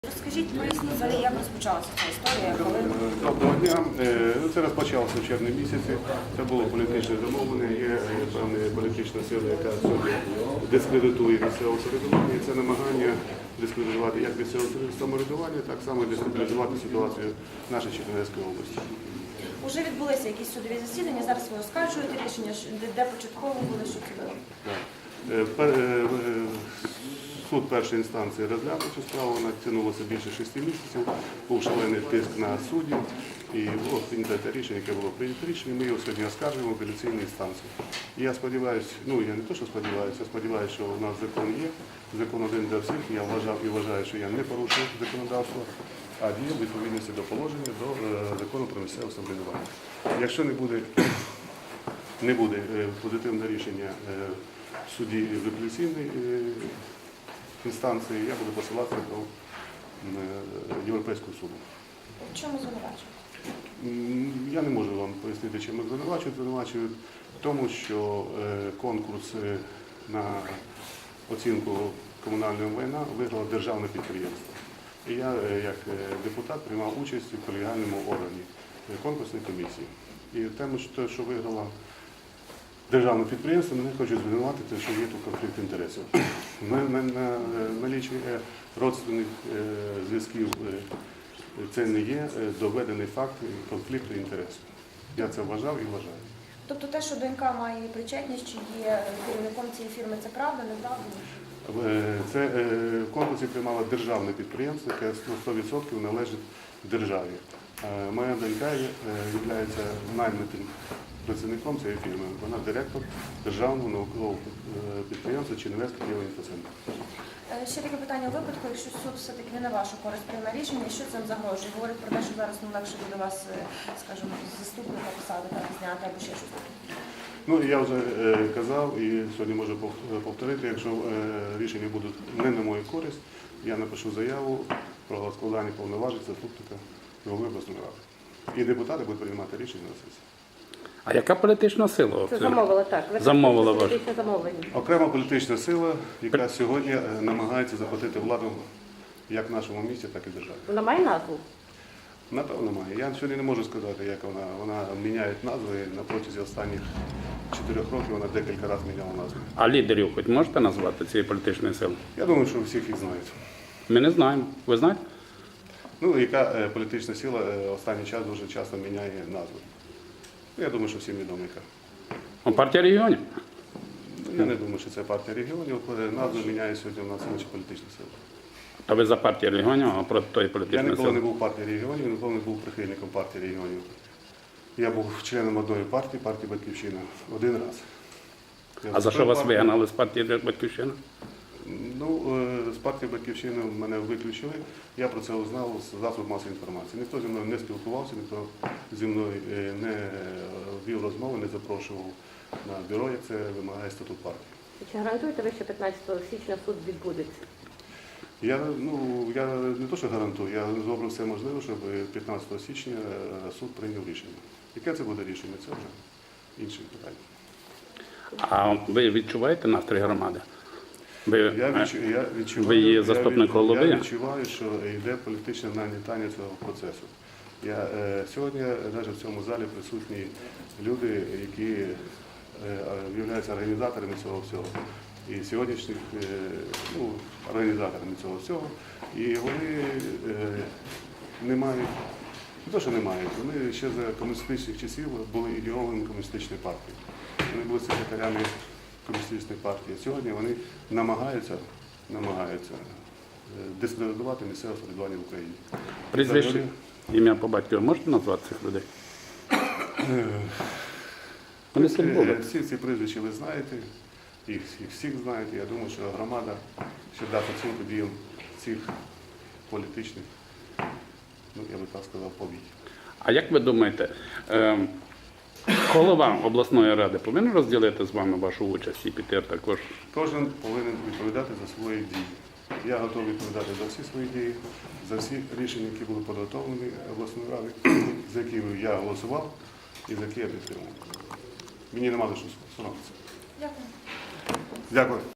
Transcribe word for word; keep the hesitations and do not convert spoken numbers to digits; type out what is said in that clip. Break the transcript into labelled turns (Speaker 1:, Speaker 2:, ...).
Speaker 1: Розкажіть, поясніть взагалі, як розпочалася ця історія, коли...
Speaker 2: Доброго дня. Це розпочалося в червні місяці. Це було політичне замовлення. Є певна політична сила, яка сьогодні дискредитує місцеве самоврядування. І це намагання дискредитувати як місцеве самоврядування, так само дестабілізувати ситуацію в нашій Чернівецькій області.
Speaker 1: Уже відбулися якісь судові засідання, зараз ви оскаржуєте рішення, де, де початково були, що це було?
Speaker 2: Суд першої інстанції розглянув цю справу, вона тягнулася більше шести місяців, був шалений тиск на суддів, і було прийнято те рішення, яке було прийнято рішення, ми його сьогодні оскаржуємо в апеляційній інстанції. І я сподіваюся, ну я не то, що сподіваюся, я сподіваюся, що у нас закон є, закон один для всіх, я вважав і вважаю, що я не порушив законодавство, а діяв у відповідності до положення, до закону про місцеве самоврядування. Якщо не буде, не буде позитивне рішення в суді в апеляційній інстанції, я буду посилатися до Європейського суду.
Speaker 1: В чому звинувачують?
Speaker 2: Я не можу вам пояснити, чим їх звинувачують. Звинувачують в тому, що конкурс на оцінку комунального майна виграло державне підприємство. І я, як депутат, приймав участь у колегіальному органі конкурсної комісії. І тему, що виграла державне підприємство, мене хочуть звинуватити, що є тут конфлікт інтересів. Налічує родственних зв'язків, це не є доведений факт конфлікту інтересів. Я це вважав і вважаю.
Speaker 1: Тобто те, що донька має причетність, чи є керівником цієї фірми, це правда, неправда?
Speaker 2: Це в конкурсі приймало державне підприємство, яке сто відсотків належить державі. Моя донька є наймитим працівником цієї фірми. Вона директор державного наукового підприємства Чернівецький Київінфоцентр.
Speaker 1: Ще таке питання. У випадку, якщо суд все-таки не на вашу користь прийме рішення, що цим загрожує? Говорить про те, що зараз ну, легше буде вас, скажімо, з заступника посади так зняти або ще щось таке.
Speaker 2: Ну, я вже е, казав і сьогодні можу повторити, якщо е, рішення будуть не на мою користь, я напишу заяву про складання повноважень заступника голови обласної ради. І депутати будуть приймати рішення на сесії.
Speaker 3: А яка політична сила?
Speaker 4: Це замовила, так. Ви
Speaker 3: Замовила ваше.
Speaker 4: політичне замовлення.
Speaker 2: Окрема політична сила, яка сьогодні намагається захопити владу як в нашому місті, так і в державі.
Speaker 4: Вона має назву?
Speaker 2: Напевно, має. Я сьогодні не можу сказати, як вона. Вона міняє назви. На протязі останніх чотирьох років вона декілька разів міняла назви.
Speaker 3: А лідерів хоч можете назвати цієї політичної сили?
Speaker 2: Я думаю, що всіх їх знають.
Speaker 3: Ми не знаємо. Ви знаєте?
Speaker 2: Ну, яка е, політична сила е, останній час дуже часто міняє назви. Я думаю, що всім відомо яка.
Speaker 3: О, партія регіонів.
Speaker 2: Ну, я не думаю, що це партія регіонів. Назви міняє сьогодні у нас інші політичні сили.
Speaker 3: А ви за партію регіонів, а проти тої
Speaker 2: Я
Speaker 3: політичної
Speaker 2: ніколи не
Speaker 3: сили?
Speaker 2: був в партії регіонів, ніколи не був прихильником партії регіонів. Я був членом одної партії, партії «Батьківщина», один раз. Я
Speaker 3: А за що
Speaker 2: вступив
Speaker 3: вас
Speaker 2: в партію.
Speaker 3: вигнали з партії «Батьківщина»?
Speaker 2: Ну, е, з партії «Батьківщина» мене виключили. Я про це узнав з засобів масової інформації. Ніхто зі мною не спілкувався, ніхто зі мною е, не вів розмови, не запрошував на бюро, як це вимагає статут партії.
Speaker 4: Чи гарантуєте ви, що п'ятнадцятого січня суд відбудеться?
Speaker 2: Я, ну, я не то, що гарантую, я зроблю все можливе, щоб п'ятнадцятого січня суд прийняв рішення. Яке це буде рішення, це вже інше питання.
Speaker 3: А ви відчуваєте настрій громади? Ви,
Speaker 2: Я, відчу, я, відчуваю,
Speaker 3: ви є
Speaker 2: я,
Speaker 3: заступник
Speaker 2: від-
Speaker 3: голови?
Speaker 2: я відчуваю, що йде політичне нагнітання цього процесу. Я, е, сьогодні навіть в цьому залі присутні люди, які е, являються організаторами цього всього. І сьогоднішніх е, ну, організаторами цього всього. І вони е, не мають, не то, що не мають, вони ще за комуністичних часів були ідеологами комуністичної партії. Вони були секретарями комуністичної партії. Сьогодні вони намагаються, намагаються дискредитувати місцеве самоврядування в Україні.
Speaker 3: Прізвище,
Speaker 2: Взагалі,
Speaker 3: ім'я по батькові можете назвати цих людей? Вони
Speaker 2: е,
Speaker 3: тут були.
Speaker 2: Всі ці прізвища ви знаєте, їх, їх всіх знаєте. Я думаю, що громада ще дасть оцінку діям цих політичних, ну я би так сказав, повій.
Speaker 3: А як ви думаєте, е, голова обласної ради повинен розділити з вами вашу участь і піти також?
Speaker 2: Кожен повинен відповідати за свої дії. Я готовий відповідати за всі свої дії, за всі рішення, які були підготовлені обласною радою, за які я голосував і за які я підтримував. Мені немає що соромитися.
Speaker 1: Дякую.
Speaker 2: Дякую.